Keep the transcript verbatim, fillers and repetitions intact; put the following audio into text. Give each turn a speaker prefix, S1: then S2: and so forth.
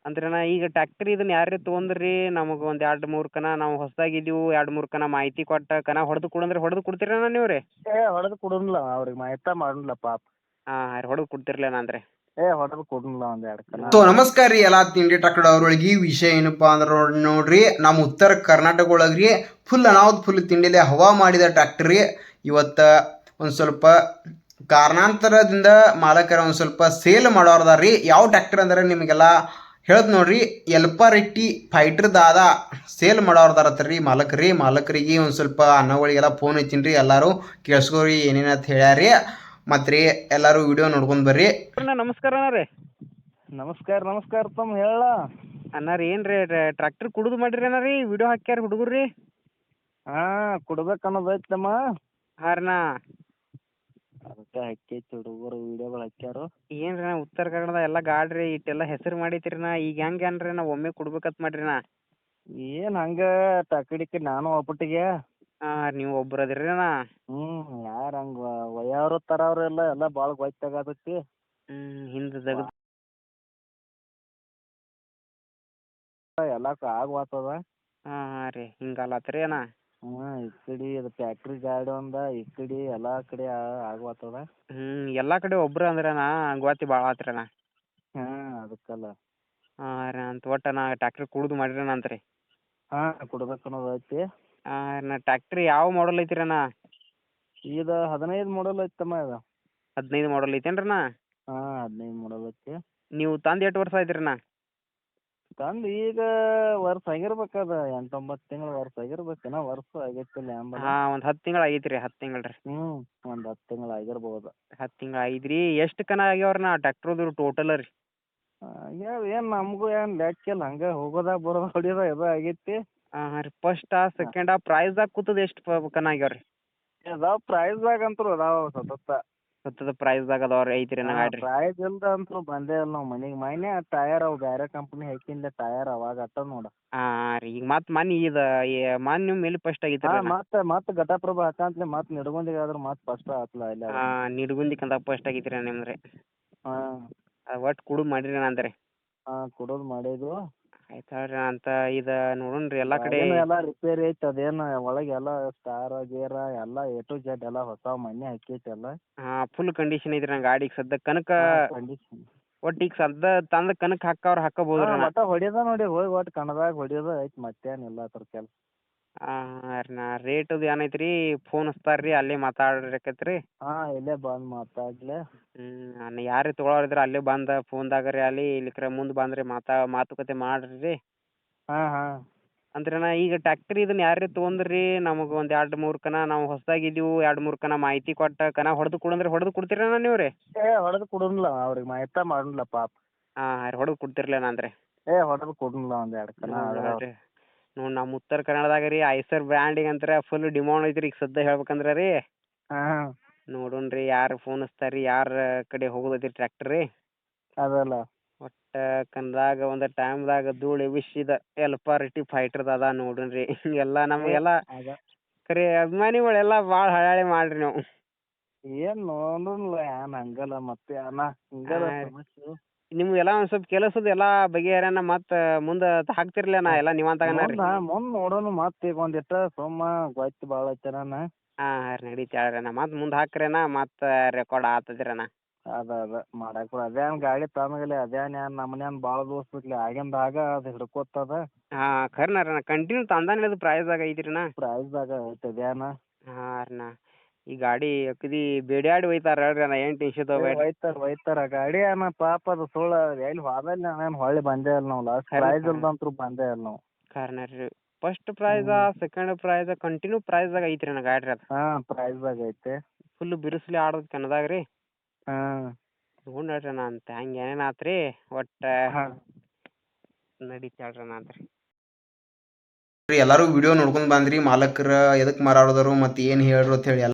S1: ಅಂದ್ರಣ್ಣ ಈಗ ಟ್ಯಾಕ್ಟ್ರಿ ಇದನ್ನ ಯಾರೇ ತೊಗೊಂಡ್ರಿ ನಮಗೆ ಒಂದು ಎರಡು ಮೂರು ಕನ ನಾವು ಹೊಸದಾಗಿದ್ದೀವಿ ಎರಡು ಮೂರು ಕನ ಮಾಹಿತಿ ಕೊಟ್ಟ ಕನ ಹೊಡೆದು ಕೊಡಂದ್ರೆ ಹೊಡೆದು ಕೊಡ್ತೀರಣ್ಣ ನೀವು ರೀ
S2: ಏ ಹೊಡೆದು ಕೊಡೋನಿಲ್ಲ ಅವ್ರಿಗೆ ಮಾಹಿತಿ ಮಾಡೋನಿಲ್ಲ ಪಾಪ.
S1: ಹಾಂ ಹೊಡೆದು ಕೊಡ್ತಿರ್ಲೇನ ಅಂದ್ರೆ
S2: ಏ ಹೊಡೆದು ಕೊಡೋನಿಲ್ಲ ಒಂದು ಎರಡು ಕನ.
S3: ಸೊ ನಮಸ್ಕಾರ ರೀ ಎಲ್ಲ ತಿಂಡಿ ಟ್ರಾಕ್ಟರ್ ಅವ್ರೊಳಗೆ ವಿಷಯ ಏನಪ್ಪಾ ಅಂದ್ರೆ ನೋಡ್- ನೋಡ್ರಿ ನಮ್ಮ ಉತ್ತರ ಕರ್ನಾಟಕ ಒಳಗ್ರಿ ಫುಲ್ ಅನಾಹುತ ಫುಲ್ ತಿಂಡಿಲೆ ಹವಾ ಮಾಡಿದ ಟ್ರ್ಯಾಕ್ಟರ್ ರೀ. ಇವತ್ತು ಒಂದು ಸ್ವಲ್ಪ ಕಾರಣಾಂತರದಿಂದ ಮಾಲಕರ ಒಂದು ಸ್ವಲ್ಪ ಸೇಲ್ ಮಾಡೋರ್ದಾರ ರೀ. ಯಾವ ಟ್ರ್ಯಾಕ್ಟರ್ ಅಂದ್ರೆ ನಿಮಗೆಲ್ಲ ಹೇಳ್ದು ನೋಡ್ರಿ, ಎಲ್ಪಾರೆಟ್ಟಿ ಫೈಟರ್ ದಾದ ಸೇಲ್ ಮಾಡೋರ್ದಾರತ್ತ ರೀ ಮಾಲಕರಿ. ಮಾಲಕರಿಗೆ ಒಂದು ಸ್ವಲ್ಪ ಅನ್ನಗಳಿಗೆಲ್ಲ ಫೋನ್ ಹಚ್ಚಿನಿ ರೀ, ಎಲ್ಲರೂ ಕೇಳಿಸ್ಕೋರಿ ಏನೇನಂತ ಹೇಳ್ಯಾರಿ. ಮತ್ತು ರೀ ಎಲ್ಲರೂ ವಿಡಿಯೋ ನೋಡ್ಕೊಂಡು ಬರ್ರಿ.
S1: ಅಣ್ಣ ನಮಸ್ಕಾರ ಅಣ್ಣ ರೀ.
S2: ನಮಸ್ಕಾರ ನಮಸ್ಕಾರ ತಮ್ಮ ಹೇಳ
S1: ಅಣ್ಣ ರೀ ಏನು ರೀ ಟ್ರ್ಯಾಕ್ಟರ್ ಕುಡಿದು ಮಾಡಿರಿ ಅಣ್ಣ ರೀ ವಿಡಿಯೋ ಹಾಕ್ಯಾರ ಹುಡುಗರು ರೀ.
S2: ಹಾಂ ಕೊಡ್ಬೇಕು ಅನ್ನೋದು ಐತಮ್ಮ.
S1: ಹಾಂ ರೀ ಅಣ್ಣ
S2: ಅದಕ್ಕೆ ಹಾಕೈತಿ ಹುಡುಗರು ವಿಡಿಯೋಗಳು ಹಾಕ್ಯಾರು.
S1: ಏನು ರೀ ಅಣ್ಣ ಉತ್ತರ ಕನ್ನಡದ ಎಲ್ಲ ಗಾಡ್ರಿ ಇಟ್ಟೆಲ್ಲ ಹೆಸರು ಮಾಡೈತಿರಿ ನಾ ಈಗ ಹೆಂಗೆ ಏನ್ರಿ ನಾ ಒಮ್ಮೆ ಕೊಡ್ಬೇಕಂತ ಮಾಡ್ರಿ ನಾ.
S2: ಏನು ಹಂಗೆ ಟಕಡಿಕೆ ನಾನು ಒಬ್ಬಟ್ಟಿಗೆ.
S1: ಹಾಂ ನೀವು ಒಬ್ರು ಅದಿರಿ ಅಣ್ಣ.
S2: ಹ್ಞೂ ಯಾರು ಹಂಗೆ ವಯ್ಯವ್ರು ತರವ್ರೆಲ್ಲ ಎಲ್ಲ ಭಾಳ ಗೊತ್ತಾಗತೈತಿ.
S1: ಹ್ಞೂ ಹಿಂದೆ ತೆಗ್ದು
S2: ಎಲ್ಲ ಆಗ್ವಾತದ.
S1: ಹಾಂ ಹಾಂ ರೀ ಹಿಂಗಲ್ಲತ್ರಿ ಅಣ್ಣ.
S2: ಹ್ಞೂ ಈ ಕಡೆ ಅದು ಫ್ಯಾಕ್ಟ್ರಿ ಗಾಡಿ ಒಂದು ಈ ಕಡೆ ಎಲ್ಲ ಕಡೆ ಆಗ್ವಾತದ.
S1: ಹ್ಞೂ ಎಲ್ಲ ಕಡೆ ಒಬ್ರು ಅಂದ್ರೆ ಅಣ್ಣ ಗೋತಿ ಭಾಳ ಆತ್ರಿ ಅಣ್ಣ.
S2: ಹಾಂ ಅದಕ್ಕಲ್ಲ.
S1: ಹಾಂ ರೀ ಅಂತ ಒಟ್ಟು ನಾ ಟ್ಯಾಕ್ಟ್ರಿ ಕುಡ್ದು ಮಾಡಿರಣ ಅಂತ ರೀ.
S2: ಹಾಂ ಕೊಡ್ಬೇಕು ಅನ್ನೋದು ಐತಿ.
S1: ಹಾಂ ನಾ ಟ್ಯಾಕ್ಟ್ರಿ ಯಾವ ಮಾಡಲ್ ಐತಿರಿ ಅಣ್ಣ?
S2: ಇದು ಹದಿನೈದು ಮಾಡಲ್ ಐತಮ್ಮ ಇದು.
S1: ಹದಿನೈದು ಮಾಡಲ್ ಐತೇನ್ರಿ ಅಣ್ಣ?
S2: ಹಾಂ ಹದಿನೈದು ಮಾಡಲ್ ಐತಿ.
S1: ನೀವು ತಂದು ಎಷ್ಟು ವರ್ಷ ಆಯ್ತು ರೀ ಅಣ್ಣ?
S2: ತಂದು ಈಗ ವರ್ಷ ಆಗಿರ್ಬೇಕದ ಎಂಟು ಒಂಬತ್ತು ತಿಂಗಳು ವರ್ಷ ಆಗಿರ್ಬೇಕು. ಏನೋ ವರ್ಷ ಆಗೈತಿಲ್ಲ ಅಂಬಲ್ಲ.
S1: ಹಾಂ ಒಂದು ಹತ್ತು ತಿಂಗಳು ಆಗೈತೆ ರೀ ಹತ್ತು ತಿಂಗಳು ರೀ.
S2: ಹ್ಞೂ ಒಂದು ಹತ್ತು ತಿಂಗಳು ಆಗಿರ್ಬೋದು.
S1: ಹತ್ತು ತಿಂಗಳು ಐದು ರೀ. ಎಷ್ಟು ಕನ ಆಗ್ಯಾವ್ರಿ ನಾ ಟ್ಯಾಕ್ಟ್ರದು ಟೋಟಲ್ ರೀ?
S2: ಆಗ್ಯಾವ ಏನು ನಮಗೂ ಏನು ಲೆಕ್ಕಿಲ್ಲ, ಹಂಗೆ ಹೋಗೋದ ಬರೋದ ಹೊಡಿಯೋದ ಇದು ಆಗೈತಿ.
S1: ಹಾಂ ಹಾಂ ರೀ ಫಸ್ಟಾ ಸೆಕೆಂಡಾ ಪ್ರೈಸ್ದಾಗ ಕೂತದ ಎಷ್ಟು ಪ ಕನ ಆಗ್ಯಾವ ರೀ?
S2: ಅದಾವ ಪ್ರೈಸ್ದಾಗ ಅಂತೂ ಅದಾವ ಸತತ.
S1: ಸತ್ತದ ಪ್ರೈಸ್ದಾಗ ಅದಾವ ಐತಿ ರೀ ನಾ ಗಾಡಿ ರೀ.
S2: ಪ್ರೈಸ್ ಇಲ್ದ ಅಂತೂ ಬಂದೇ ಇಲ್ಲ ನಾವು ಮನೆಗೆ. ಮನೆ ಟಯರ್ ಅವು ಬೇರೆ ಕಂಪ್ನಿ ಹಾಕಿಂದ ಟಯರ್ ಅವಾಗ ಅಟ್ಟ ನೋಡ.
S1: ಹಾಂ ಹಾಂ ರೀ ಈಗ ಮತ್ತೆ ಮನೆ ಇದು ಮನೆ ನಿಮ್ಮ ಮೇಲೆ ಫಸ್ಟ್ ಆಗೈತೆ ರೀ.
S2: ಹಾಂ ಮತ್ತೆ ಮತ್ತೆ ಘಟಪ್ರಭಾ ಹಾಕಂತ್ಲೆ ಮತ್ತೆ ನಿಡ್ಗೊಂದಿಗೆ ಆದ್ರೆ ಮತ್ತೆ ಫಸ್ಟ್ ಆತ್ಲ ಇಲ್ಲ.
S1: ಹಾಂ ನಿಡ್ಗುಂದಿಕ್ಕಂತ ಫಸ್ಟ್ ಆಗೈತೆ ರೀ ನಿಮ್ದು ರೀ.
S2: ಹಾಂ
S1: ಒಟ್ಟು ಕುಡುದು ಮಾಡಿರಿ ಅಂತ ರೀ.
S2: ಹಾಂ ಕೊಡೋದು ಮಾಡಿದ್ದು.
S1: ಆಯ್ತು ಹೇಳ್ರಿ ಅಂತ ಇದು ನೋಡೋಣ ರೀ ಎಲ್ಲ ಕಡೆ.
S2: ಎಲ್ಲ ರಿಪೇರಿ ಐತೆ, ಅದೇನು ಒಳಗೆ ಎಲ್ಲ ಸ್ಟಾರ್ ಗೇರ ಎಲ್ಲ ಎ ಟು ಜೆಡ್ ಎಲ್ಲ ಹೊಸ ಮನೆ ಹಾಕೈತೆ ಎಲ್ಲ.
S1: ಹಾಂ ಫುಲ್ ಕಂಡೀಷನ್ ಐತ್ರಿ ನನ್ನ ಗಾಡಿಗೆ ಸದ್ಯ ಕನಕ.
S2: ಕಂಡೀಷನ್
S1: ಒಟ್ಟು ಈಗ ಸದ್ಯ ತಂದ ಕನಕ ಹಾಕವ್ರು ಹಾಕಬೋದು ರೀ.
S2: ಒಟ್ಟ ಹೊಡಿಯೋದ ನೋಡಿ ಹೋಗಿ ಒಟ್ಟು ಕಣದಾಗ ಹೊಡಿಯೋದ ಐತಿ ಮತ್ತೇನಿಲ್ಲ ಅದ್ರ ಕೆಲಸ.
S1: ಹಾಂ ರೀ ನಾ ರೇಟ್ ಅದು ಏನೈತೆ ರೀ ಫೋನ್ ಹಚ್ತಾರೆ ರೀ ಅಲ್ಲೇ ಮಾತಾಡ್ರಿಕೈತೆ ರೀ.
S2: ಹಾಂ ಇಲ್ಲೇ ಬಂದು ಮಾತಾಡ್ಲೆ.
S1: ಹ್ಞೂ ನಾನು ಯಾರೇ ತೊಗೊಳೋರಿದ್ರೆ ಅಲ್ಲೇ ಬಂದು ಫೋನ್ದಾಗ ರೀ ಅಲ್ಲಿ ಇಲ್ಲಿಕ್ರೆ ಮುಂದೆ ಬಂದ್ರಿ ಮಾತಾ ಮಾತುಕತೆ ಮಾಡಿರಿ ರೀ.
S2: ಹಾಂ ಹಾಂ
S1: ಅಂದ್ರೆ ನಾ ಈಗ ಟ್ಯಾಕ್ಟ್ರಿ ಇದನ್ನ ಯಾರೇ ತೊಗೊಂಡ್ರಿ ನಮಗೆ ಒಂದು ಎರಡು ಮೂರು ಕನ ನಾವು ಹೊಸದಾಗಿದ್ದೀವಿ ಎರಡು ಮೂರು ಕನ ಮಾಹಿತಿ ಕೊಟ್ಟ ಕನ ಹೊಡೆದು ಕೊಡಂದ್ರೆ ಹೊಡೆದು ಕೊಡ್ತೀರಣ್ಣ ನೀವು ರೀ?
S2: ಏ ಹೊಡೆದು ಕೊಡೋನಿಲ್ಲ ಅವ್ರಿಗೆ ಮಾಹಿತಿ ಮಾಡೋನಿಲ್ಲ ಪಾಪ.
S1: ಹಾಂ ರೀ ಹೊಡೆದು ಕೊಡ್ತಿರ್ಲೇನ ಅಂದ್ರೆ
S2: ಏ ಹೊಡೆದು ಕೊಡೋನಿಲ್ಲ ಒಂದು ಎರಡು ಕನ.
S1: ನೋಡ್ರಿ ನೋಡಿ ನಮ್ಮ ಉತ್ತರ ಕನ್ನಡದಾಗ ರೀ ಐಸರ್ ಬ್ರ್ಯಾಂಡಿಗೆ ಅಂತಾರೆ ಫುಲ್ ಡಿಮಾಂಡ್ ಐತ್ರಿ ಈಗ ಸದ್ಯ ಹೇಳ್ಬೇಕಂದ್ರೆ ರೀ.
S2: ಹಾಂ
S1: ನೋಡೋಣ ರೀ ಯಾರು ಫೋನ್ ಹಚ್ತಾರೆ ರೀ ಯಾರ ಕಡೆ ಹೋಗೋದೈತಿ ಟ್ರ್ಯಾಕ್ಟರ್ ರೀ.
S2: ಅದಲ್ಲ
S1: ಒಟ್ಟು ಕನ್ನಡದಾಗ ಒಂದು ಟೈಮ್ದಾಗ ಧೂಳು ಎಬ್ಬಿಸಿದ ಎಲ್ಪಾರೆಟ್ಟಿ ಫೈಟರ್ದು ಅದ ನೋಡೋಣ ರೀ. ಎಲ್ಲ ನಮಗೆಲ್ಲ
S2: ಅದ
S1: ಖರೆ ಅಭಿಮಾನಿಗಳೆಲ್ಲ ಭಾಳ ಹಳಾಳಿ ಮಾಡ್ರಿ ನಾವು.
S2: ಏನು ನೋಡೋನಿಲ್ಲ ಏನು ಹಂಗಲ್ಲ ಮತ್ತೆ ಅಣ್ಣ ಹಿಂಗಲ್ಲ ಸಮಸ್ಯೆ.
S1: ನಿಮ್ಗೆಲ್ಲ ಒಂದು ಸ್ವಲ್ಪ ಕೆಲಸದ ಎಲ್ಲ ಬಗೆಹರ್ಯಾನ ಮತ್ತೆ ಮುಂದೆ ಹಾಕ್ತಿರ್ಲ ನಾ ಎಲ್ಲ ನೀವಂತಾಗನ ರೀ.
S2: ಮುಂದೆ ನೋಡೋಣ ಮತ್ತೆ ಈಗ ಒಂದಿಟ್ಟು ಸುಮ್ಮ ಗೊತ್ತು ಭಾಳ ಐತನ.
S1: ಹಾಂ ಹಾಂ ರೀ ನಡೀತಿ ಹೇಳ್ರಣ್ಣ ಮತ್ತೆ ಮುಂದೆ ಹಾಕ್ರಣ್ಣ ಮತ್ತೆ ರೆಕಾರ್ಡ್ ಆಗ್ತದಿರಣ್ಣ.
S2: ಅದ ಅದ ಮಾಡಕ್ಕೆ ಅದೇನು ಗಾಡಿ ತಂದಾಗಲೇ ಅದೇನು ಏನು ನಮ್ಮನೇನು ಭಾಳ ದೋಸ್ತಿರ್ಲಿ ಆಗಿಂದಾಗ ಅದು ಹಿಡ್ಕೋತದ.
S1: ಹಾಂ ಖರೇನ ರೀ ಕಂಟಿನ್ಯೂ ತಂದಾನೆ ಅದು ಪ್ರೈಸ್ದಾಗ ಐತಿ ರೀ.
S2: ಪ್ರೈಸ್ದಾಗ ಐತೆ ಅದೇನ.
S1: ಹಾಂ ರೀ ನಾ ಈ ಗಾಡಿ ಅಗದಿ ಬೇಡ್ಯಾಡಿ ಒಯ್ತಾರೆ ಹೇಳ್ರಿ ಅಣ್ಣ ಏನು ಟೆನ್ಷನ್ ತಗೋಬೇಡ್ರಿ.
S2: ಒಯ್ತಾರ ಒಯ್ತಾರ ಗಾಡಿ ಅಣ್ಣ ಪಾಪ ಅದು ಸುಳ್ಳು ಎಲ್ಲಿ ಹೋದಲ್ಲಿ ನಾವೇನು ಹೊಳ್ಳಿ ಬಂದೇ ಇಲ್ಲ ನಾವು. ಲಾಸ್ಟ್ ಪ್ರೈಸ್ ಇಲ್ದಂತ್ರು ಬಂದೇ ಇಲ್ಲ ನಾವು.
S1: ಖರೇನ ರೀ first prize second prize continue ಪ್ರೈಸ್ದಾಗ ಐತ್ರಿ ಅಣ್ಣ ಗಾಡಿ ಅದು.
S2: ಹಾಂ ಪ್ರೈಸ್ದಾಗ ಐತೆ
S1: ಫುಲ್ ಬಿರುಸ್ಲಿ ಆಡೋದು ಕನ್ನದಾಗ ರೀ.
S2: ಹಾಂ
S1: ತೊಗೊಂಡು ಹೇಳ್ರಿ ಅಣ್ಣ ಅಂತ ಹಂಗೆ ಏನೇನು ಆತು ರೀ ಒಟ್ಟು
S2: ಹಾಂ
S1: ನಡೀತಿ ಹೇಳ್ರಿ ಅಣ್ಣ ಅಂತ ರೀ.
S3: ಎಲ್ಲರೂ ವಿಡಿಯೋ ನೋಡ್ಕೊಂಡು ಬಂದ್ರಿ ಮಾಲಕರ ಎದಕ್ಕೆ ಮಾರಾಡೋದರು ಮತ್ತು ಏನು ಹೇಳ್ರು ಅಂತ ಹೇಳಿ